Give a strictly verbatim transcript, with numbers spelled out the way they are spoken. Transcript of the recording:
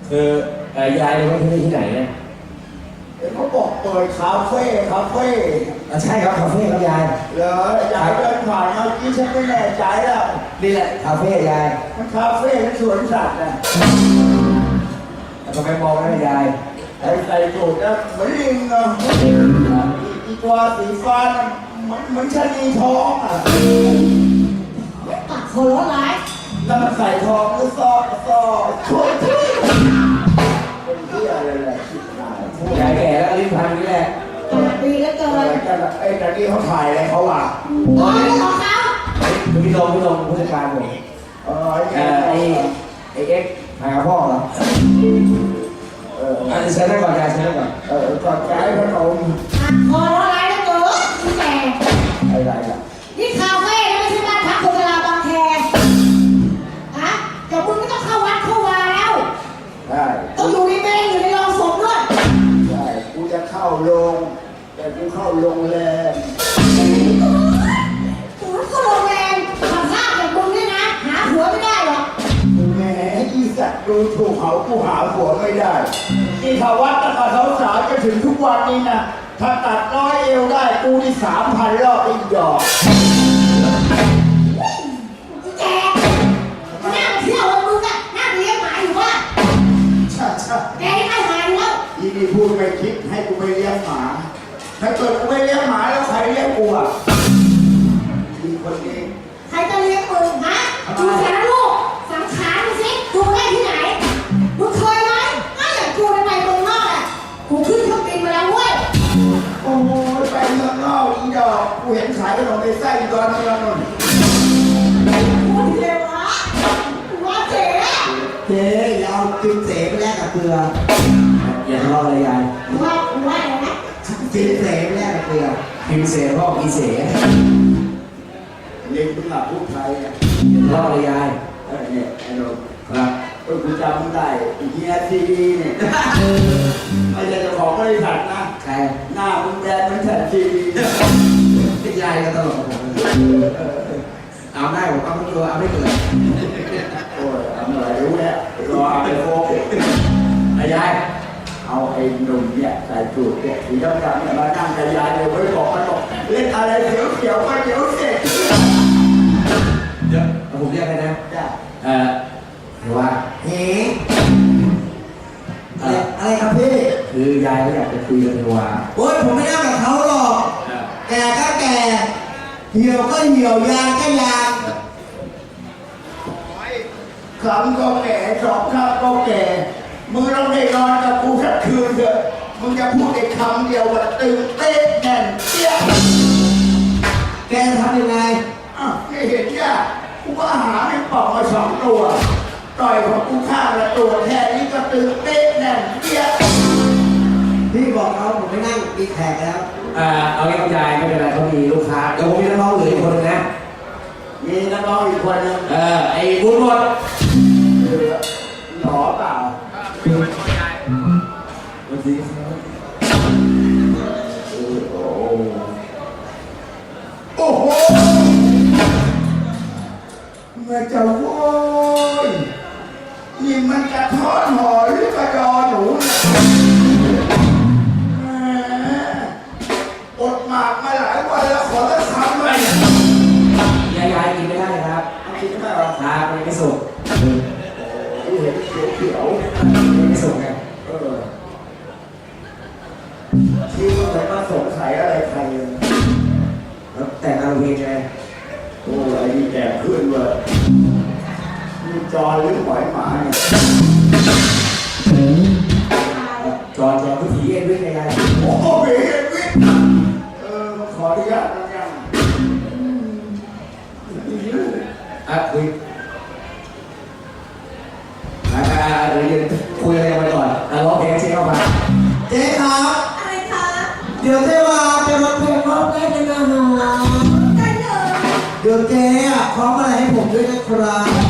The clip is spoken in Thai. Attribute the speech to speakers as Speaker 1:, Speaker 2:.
Speaker 1: คือยายรู้ที่นี่ที่ไหนเนี่ย
Speaker 2: เขาบอกเปิดคาเฟ่คาเฟ่
Speaker 1: ใช่ครับคาเฟ่ครับยาย
Speaker 2: เหรอยายเดินผ่านเมื่อกี้ฉันไม่แน่ใจแล้ว
Speaker 1: นี่แหละคาเฟ่ยาย
Speaker 2: มันคาเฟ่และสวนสัตว์นะ
Speaker 1: ทำไมมองไม่ยาย
Speaker 2: ไอ้ใส่สูทนะเหมือนลิงอ่ะอีตัวสีฟ้าเหมือนเหมือนชะนีทองอ่ะ
Speaker 3: ตัดคนร้าย
Speaker 2: แล้วมันใส่ทองหรือซอซอช่วยช่วยเป็นที่อะไรแหละชิบหาย
Speaker 1: ยายแก่แล้วลิ้นพันนี่แหละ
Speaker 3: ปีแล้วเกิน
Speaker 2: ไอ้ตะกี้เขาถ่ายอะไรเขาว่ะ
Speaker 3: อ๋อของเขา
Speaker 1: พี่ลงพี่ลงผู้จัดการผม
Speaker 2: เออไอ้
Speaker 1: ไอ้ไอ้เอ็กถ่ายกับพ่อเหรอเอออันนี้ใช้ได้ก่อนยายใช้ได้ก่อน
Speaker 2: เออก่อนใจขนม
Speaker 3: พอร้ายแล้วเกินพี่แก่
Speaker 2: อะไรล่ะ
Speaker 3: นี่คาเฟ่ไม่ใช่บ้านพักคนเวลาบางแคฮะเดี๋ยวมึงไม่ต้องเข้าวัดเข้าวาแล้ว
Speaker 2: ใช่
Speaker 3: ต้องอยู่ในเมนอยู่ในโรงศพด้วย
Speaker 2: ใช่กูจะเข้าโรงแต่กูเข้าโรงแรม
Speaker 3: กูเข้าโรงแรมทำภาพแบบมึงเนี่ยนะหาผัวไม่ได้หรอก
Speaker 2: แหมอีสัตว์ดูถูกเขากูหาผัวไม่ได้ที่ทวัดตั้งแต่สาวๆจะถึงทุกวันนี้นะถ้าตัดน้อยเอวได้กูนี่สามพันรอบอีกดอก
Speaker 3: แกนั่งเที่ยวมึงอะนั่งเลี้ยงหมาอยู่ว่า
Speaker 2: ใช่ใช่
Speaker 3: แกไม่หายแล้ว
Speaker 2: อีนี่พูดไม่คิดให้กูไปเลี้ยงหมาถ้าเกิดกูไม่เลี้ยงหมาแล้วใครเลี้ยงกูอ่ะมีคนนี้
Speaker 3: ใครจะเลี้ยงมึงฮะดูสารลูกสังขารดูสิดูได้ที่ไหนมึงเคยไหมถ้าอย่างกูไปไปเมืองนอกอ่ะกูขึ้นเครื่องบินมาแล้วเว้ย
Speaker 2: โอ้โหไปเมืองนอกอีดอกกูเห็นขายขนมในไส้ดอนเมืองนนท์
Speaker 3: พูดเร็ววะว่าเจ๊
Speaker 2: เจ๊เรากินเสไปแลกกับเกลือ
Speaker 1: อย่าทะเลาะเลยยาย
Speaker 3: ว่าว่าอะไรนะ
Speaker 2: กินเสไปแลกกับเกลือ
Speaker 1: กินเสพ่อกินเส
Speaker 2: เรียนภาษาพูดไทยเนี่ย
Speaker 1: ทะเลาะเลยยาย
Speaker 2: เออเนี่ยไอ้โดม
Speaker 1: ครับ
Speaker 2: เออกูจำได้เฮียทีวีเนี่ยไม่ใช่เจ้าของบริษัทนะ
Speaker 1: ใคร
Speaker 2: หน้ามึงแดงเหมือนแผ่นทีวี
Speaker 1: พี่ยายก็ตลกกับผมเอาได้ผมเอาไม่ตัวเอาไม่เกิด
Speaker 2: โอ้ยเอาหน่อยรู้แล้วรอเอาไปโฟก
Speaker 1: ไอ้ยาย
Speaker 2: เอาไอ้หนุ่มเนี่ยใส่สูทเนี่ยสีดำๆเนี่ยมานั่งกับยายเลยไม่บอกมันบอกเล่นอะไรเขียวเขียวมาเขียวเสร็จ
Speaker 1: เดี๋ยวผมเรียกไปนะ
Speaker 2: จ้ะ
Speaker 1: เอ่อเดี๋ยวว่า
Speaker 2: เฮ้อะไรอะไรครับพี่
Speaker 1: คือยายเขาอยากจะคุยกับเทวา
Speaker 2: โอ๊ยผมไม่นั่งกับเขาหรอกแก่ก็แก่เหี่ยวก็เหี่ยวยางก็ยางคำก็แก่สองคำก็แก่มึงต้องได้นอนกับกูสักคืนเถอะมึงจะพูดไอ้คำเดียวว่าตื่นเต้นแน่นเตี้ย
Speaker 1: แกจะทำยังไง
Speaker 2: อ่ะไม่เห็นย่ะกูก็หาให้ปอกมาสองตัวต่อยของกูฆ่าละตัวแค่นี้ก็ตื่นเต้นแน่นเตี้ยพี่บอกเขาผมไม่นั่งมีแขกแล้ว
Speaker 1: อ่าเอางี้คุณยายไม่เป็นไรเขามีลูกค้าเดี๋ยวผมมีนักร้องเหลืออีกคนนึงนะ
Speaker 2: มีนักร้องอีกคนนึง
Speaker 1: เออไอ้บุญหมด
Speaker 2: หล่อเปล่า
Speaker 1: เป็นคนยายวันนี้
Speaker 2: โอ้โหเมื่อจะโว้ยนี่มันจะทอดหอหรือกระดอหนูอดหมากมาหลายวันแล้วขอจะทำไหม
Speaker 1: ยายยายกินไม่ได้ครับ
Speaker 2: กินไม่ได้หรอ
Speaker 1: ครับไม่สุก
Speaker 2: กูเห็นเขียวเขียว
Speaker 1: ไม่สุกไง
Speaker 2: เออที่มันมาสงสัยอะไรใคร
Speaker 1: แล้วแต่งานเพลงไง
Speaker 2: โอ้ยนี่แก่ขึ้นเลยมีจอหรือหอยหมาเนี่ย
Speaker 1: จอจอวิถีเอ็นวิ่งไง
Speaker 2: โอ้โหเอ็นวิ่งเออขออนุญาตนะยัง
Speaker 1: อ่ะคุยอ่าเดี๋ยวคุยอะไรกันไปก่อนอ่ะร้องเพลงเช็คเข้ามา
Speaker 2: เจ๊ครับ
Speaker 3: อะไรคะ
Speaker 2: เดี๋ยวเจ๊ว่าจะมาเพลงร้องได้เลยนะฮะ
Speaker 3: ได้เลย
Speaker 2: เดี๋ยวเจ๊อ่ะพร้อมอะไรให้ผมด้วยนะครับ